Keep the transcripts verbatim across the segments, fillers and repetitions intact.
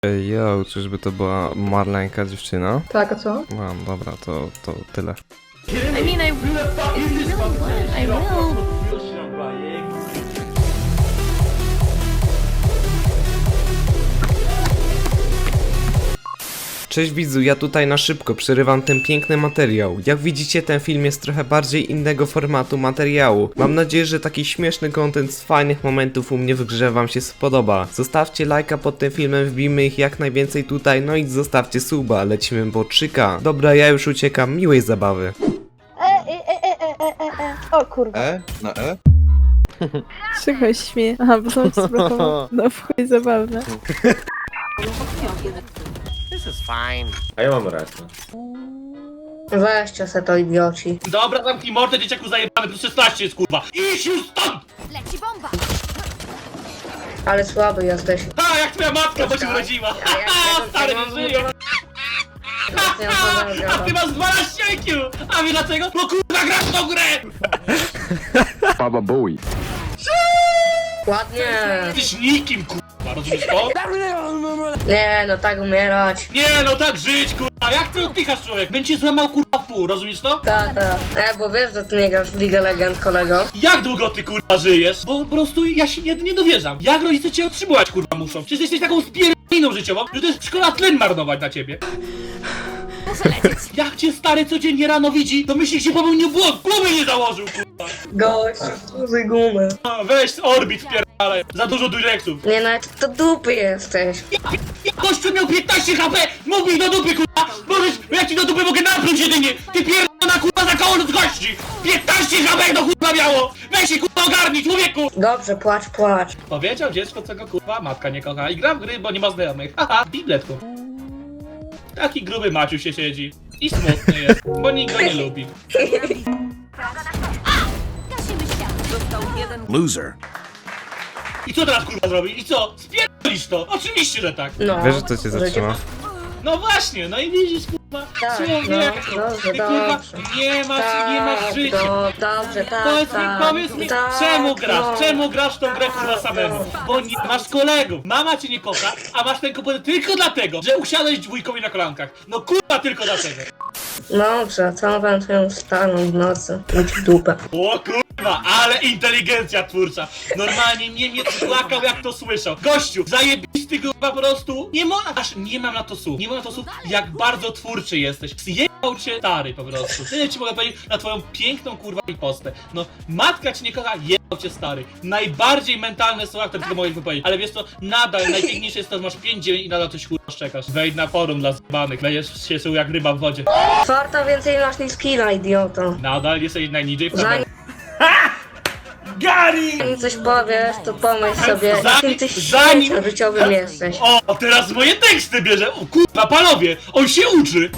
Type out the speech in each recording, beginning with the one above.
Ej, yo, czyżby to była Marlenka dziewczyna? Tak, a co? No, dobra, to, to tyle. I mean, I, if you really want, I will. Cześć widzu, ja tutaj na szybko przerywam ten piękny materiał. Jak widzicie, ten film jest trochę bardziej innego formatu materiału. Mam nadzieję, że taki śmieszny content z fajnych momentów u mnie w grze wam się spodoba. Zostawcie lajka pod tym filmem, wbijmy ich jak najwięcej tutaj, no i zostawcie suba, lecimy po trzy K. Dobra, ja już uciekam, miłej zabawy. E, e, e, e, e, e, e. O kurwa. E? Na E? Czego się śmieje? Aha, bo są zablokowane. No w chuj zabawne. A ja mam rację. Weźcie se to, idioci. Dobra, zamknij mordę, dzieciaku zajebany, plus szesnaście jest kurwa. Idź już stąd! Leci bomba! Ale słaby jesteś. Ha, jak twoja matka, bo się urodziła. ja- Ha, ja- stary, ja- nie żyje. Ja to A ty masz dwanaście I Q! A wie dlaczego? Bo kurwa grasz w tą grę! Baba Bowie. Ładnie. Jesteś nikim, kurwa, rozumiesz to? Nie, no tak umierać. Nie no, tak żyć, kurwa, jak ty oddychasz, człowiek? Będzie złamał kurwa w pół, rozumiesz to? Tak, tak. E, bo wiesz, że ty nie grasz w League Legend, kolego. Jak długo ty kurwa żyjesz? Bo po prostu ja się nie, nie dowierzam. Jak rodzice cię otrzymywać kurwa muszą? Przecież jesteś taką spierdoliną życiową, że to jest szkoła tlen marnować na ciebie. Muszę lecieć. Jak cię stary codziennie rano widzi, to myśli, że popełnił błąd, gumy nie założył, kurwa. Gość, użyj gumy. A, weź z orbit wpierdalaj, za dużo dureksów. Nie, nawet to dupy jesteś. Ja gościu miał piętnaście H P, mógł mi do dupy, kurwa. Możesz, ja ci do dupy mogę napluć jedynie. Ty pierdolona kurwa za koło ludzkości. piętnaście H P do kurwa miało. Weź się kurwa ogarnij, człowieku. Dobrze, płacz, płacz. Powiedział dziecko, co go kurwa matka nie kocha i gra w gry, bo nie ma znajomych. Haha, bibletku. Taki gruby Maciu się siedzi. I smutny jest, bo nikt go nie lubi. Gasimy świat. Loser. I co teraz kurwa zrobi? I co? Spierdolisz to? Oczywiście, że tak. No. Wiesz, że to cię zatrzyma? No właśnie, no i widzisz kurwa. Tak, Człowiek, no, dobrze, ty kurwa dobrze. nie masz, nie masz Tak, życia. do, dobrze, tak, Powiedz mi, tak. powiedz mi, tak, czemu grasz? no. Czemu grasz tą grę kurwa samemu? Bo nie masz kolegów. Mama cię nie kocha, a masz ten komputer tylko dlatego, że usiadłeś dwójkowi na kolankach. No kurwa tylko dlatego. Dobrze, co wam twoją starą w nocy? Idź w dupę. O kurwa, ale inteligencja twórcza. Normalnie Niemiec płakał jak to słyszał. Gościu, zajebisty kurwa po prostu. Nie ma, aż nie mam na to słów. Nie mam na to słów, jak bardzo twórczy jesteś. Zjebał cię stary po prostu. Tyle ci mogę powiedzieć na twoją piękną kurwa postę. No, matka cię nie kocha, jebał cię stary. Najbardziej mentalne słowa, które tylko mogę wypowiedzieć. Ale wiesz co, nadal najpiękniejsze jest to, że masz pięć dziewięć i nadal coś kurwa szczekasz. Wejdź na forum dla zbanych. Lejesz się jak ryba w wodzie. Czwarta więcej masz niż skilla, idioto. Nadal jesteś najniżej w Zanim Gary! zanim coś powiesz, to pomyśl sobie, Zanim- jakim ty zanim- świecie życiowym jesteś. O, teraz moje teksty bierze! O kurwa, panowie! On się uczy!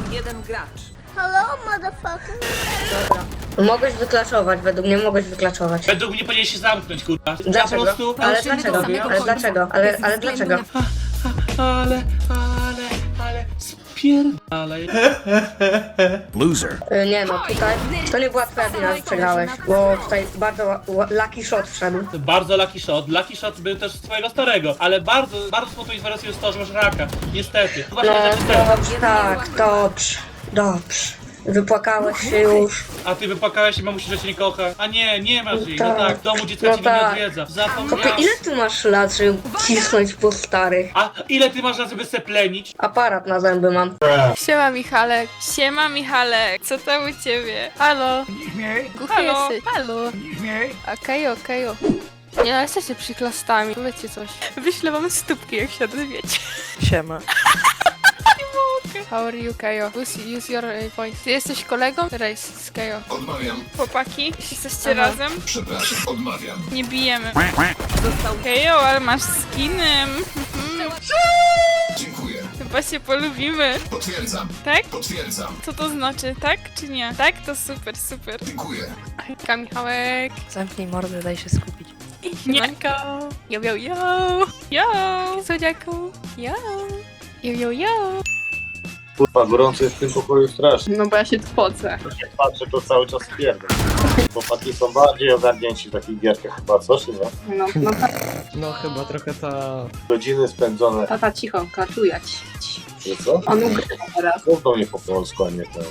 Dobra. Mogłeś wyklaczować, według mnie mogłeś wyklaczować. Według mnie powinien się zamknąć, kurwa. Ja Dlaczego? po prostu... Ale Dążymy do dlaczego? samego Ale końca. dlaczego? Ale, Bez ale względu dlaczego? na- Ale, ale, ale... Spierdalaj. Loser. Y, Nie no, tutaj to nie była twoja wina, że przegrałeś, bo tutaj bardzo ła- ła- lucky shot wszedł. To bardzo lucky shot. Lucky shot był też z twojego starego, ale bardzo, bardzo smutną informacją jest to, że masz raka. Niestety. Właśnie No za to dobrze, tak, dobrze, dobrze. Wypłakałeś się już. A ty wypłakałeś i mamusi, że cię nie kocha. A nie, nie masz jej. No tak. tak, w domu dziecka No cię tak. nie odwiedza. Kopie, Zapomniałam. ile ty masz lat, żeby cisnąć po starych? A ile ty masz na sobie seplenić? Aparat na zęby mam. Siema Michalek, siema Michalek, co tam u ciebie? Halo? Głuchy Halo? jesteś? Halo? Okej, okej. Nie, ale jesteście przyklastami, powiedzcie coś. Wyślę wam stópki, jak się odezwiecie. Siema. How are you, Kajo? Use, use your uh, point. Ty jesteś kolegą? Race z Kajo. Odmawiam. Chłopaki, jesteście Aha. razem? Przepraszam, odmawiam. Nie bijemy. Kajo, ale masz skinem. Dziękuję. Chyba się polubimy. Potwierdzam. Tak? Potwierdzam. Co to znaczy? Tak czy nie? Tak? To super, super. Dziękuję. Hejka, Michałek. Zamknij mordę, daj się skupić. Siemanko. Yo, yo, yo. Yo. Słodziaku. Yo. Yo, yo, yo. Kurwa, gorąco jest w tym pokoju strasznie. No bo ja się twocę. Jak patrzę, to cały czas pierdolę. Chłopaki są bardziej ogarnięci w takich gierkach chyba, co czy nie? No, no ta, No chyba trochę ta... Godziny spędzone. tata cicho, klatujać. Że co? On ugrywa teraz. Mów do mnie po polsku, a nie to.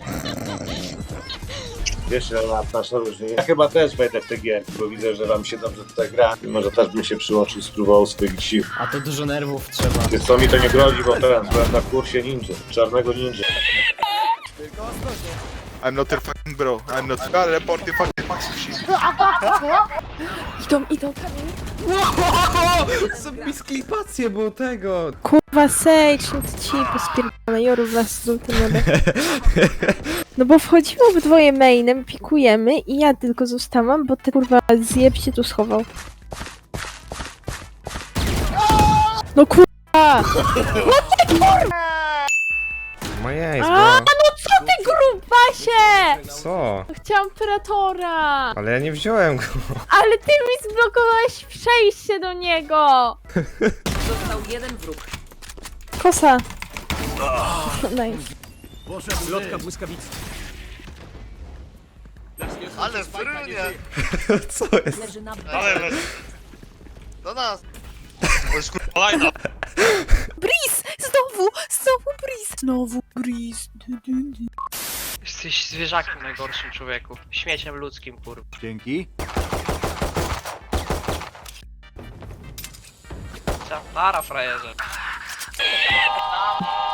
Wiesz, że nasz różnie. Ja chyba też wejdę w te gierki, bo widzę, że wam się dobrze tutaj gra. I może też bym się przyłączył, spróbował swoich sił. A to dużo nerwów trzeba. Wiesz co, mi to nie grozi, bo teraz byłem na kursie ninja, czarnego ninja. I'm not your fucking bro. I'm not. God, report the fucking Max shit. Idą, idą, kamień. Zrobi sklipację, bo tego... Kurwa, Sage, no to ci pospierdolę, Joru wraz z żółtym niebem. No bo wchodzimy obydwoje mainem, pikujemy i ja tylko zostałam, bo ten kurwa zjeb się tu schował. No kurwa! Mojej, A, no co ty grubasie! Co? Chciałam Predatora! Ale ja nie wziąłem go. Ale ty mi zblokowałeś przejście do niego! Został jeden wróg. Kosa! Nice. Ale frynie! Co jest? Leży na Ale do nas! To jest kurwa lajna! Breeze! Znowu! Znowu Breeze! Znowu Breeze! Jesteś zwierzakiem najgorszym, człowieku. Śmieciem ludzkim, kurwa. Dzięki. Para, frajerze.